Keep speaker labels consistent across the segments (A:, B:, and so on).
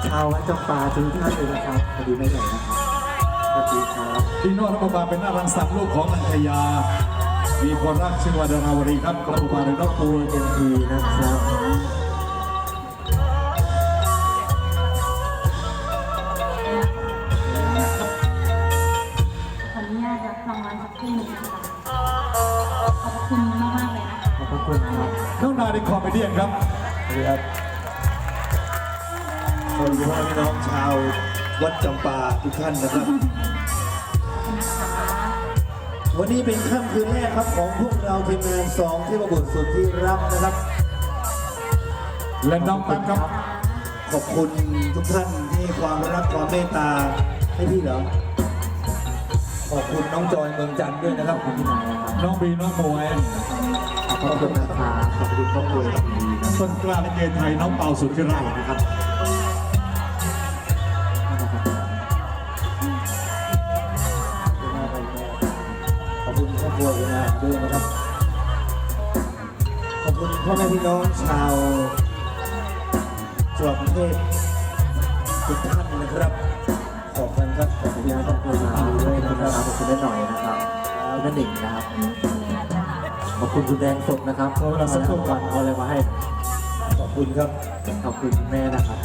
A: ชาววัดจำปาทุกท่านเลยนะครับสวัสดีแม่ใหญ่นะครับสวัสดีครับ
B: พี่โน้ตรับบาเป็นหน้ารังสรรค์ลูกของนันทยามีคนรักชื่อว่าดาราวรีครับกระปุกมาในรถปู
A: เต็มทีนะครับ
C: ขออนุญาตรับรางวัลสักครู่หนึ่งนะคะขอบคุณมากๆเลยนะคะ
A: ขอบคุณครับ
B: น้องนาในคอมเมดี้ครับ
D: สวัสดีครับสวัสดีพ่อพี่น้องชาววัดจำปาทุกท่านนะครับวันนี้เป็นค่ำคืนแรกครับของพวกเราทีมงาน2เทพบุตรสุดที่รักนะครับ
B: และน้องแป๊บครับ
D: ขอบคุณทุกท่านที่ความรักความเมตตาให้พี่เหรอขอบคุณน้องจอยเมืองจันทร์ด้วยนะครับขอบคุณ
B: น้องบีน้องมวย
A: ขอบคุณนะครับขอบคุณครอบครัวดีนะ
B: ต้นกล้าลิเกไทยน้องเปาสุดที่รัก
A: นะครับ
D: ขอบคุณครอบครัวด้วยนะครับขอบคุณพ่อแม่พี่น้องชาวจังหวัดกรุงเทพทุกท่านนะครับขอบคุณครับขอบคุณครอบครัว
A: ด้วยนะครับขอบคุณแม่หน่อยนะครับแม่หนิงนะครับขอบคุณคุณแดงสดนะครับเขาเราสักวันเอาอะไรมาให้
D: ขอบคุณครับ
A: ขอบคุณแม่นะครับ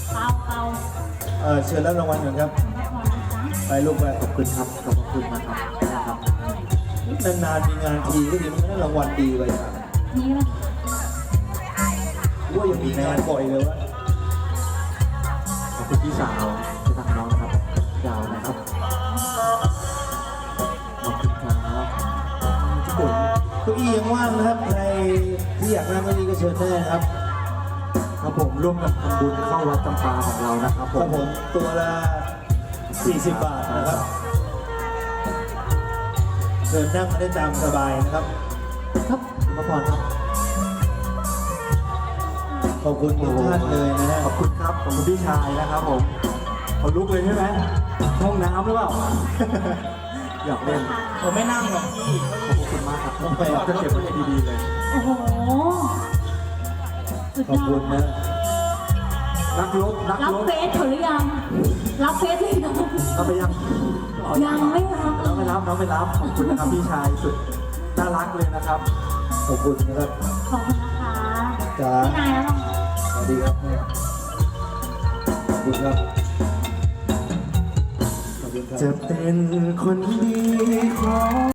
D: เชิญรับรางวัลก่อนครับไปลูกไป
A: ขอบคุณครับขอบคุณนะครับ
D: นานๆมีงานทีก็ดีมันก็ได้รางวัลดีไป
C: นี่แหละ
D: ว่ายังมีงานบ่อยเลยวะ
A: ขอบคุณพี่สาวที่ทำน้องครับยาวนะครับขอบคุณครับ
D: ทุกคนเก้าอี้ยังว่างนะครับใครที่อยากนั่งเก้าอี้ก็เชิญได้นะครับ
A: ครับผมร่วมกับทำบุญเข้าวัดจำปาของเรานะครับ
D: ผมตัวละ40 บาทนะครับเชิญนั่งได้ตามสบายนะครับ
A: ครับมาพรครับ
D: ขอบคุณทุกท่านเลยนะฮะ
A: ขอบคุณครับขอบคุณพี่ชายนะครับผมเขาลุกเลยใช่ไหมห้องน้ำหรือเปล่าอยากเล่น
D: ผมไม่นั่งหรอกพี่
A: ขอบคุณมากครับต้องไปจะเก็บไว้ดีๆเลย
C: โอ้โหสุดยอด
D: ขอบคุณนะ
A: นักรบ
C: รับเฟซเขาหรือยังรับเฟซหรือยัง
A: เอาไปยัง
C: ยังไม่รับ
A: น้องไม่รับขอบคุณนะครับพี่ชายสุดน่ารักเลยนะครับ
D: ขอบคุณนะครับ
C: ขอบคุณนะคะ
D: จ้า
C: พี่นายแล้ว
D: สวัสดีครับขอบคุณครับ
A: จะเป็นคนดีของ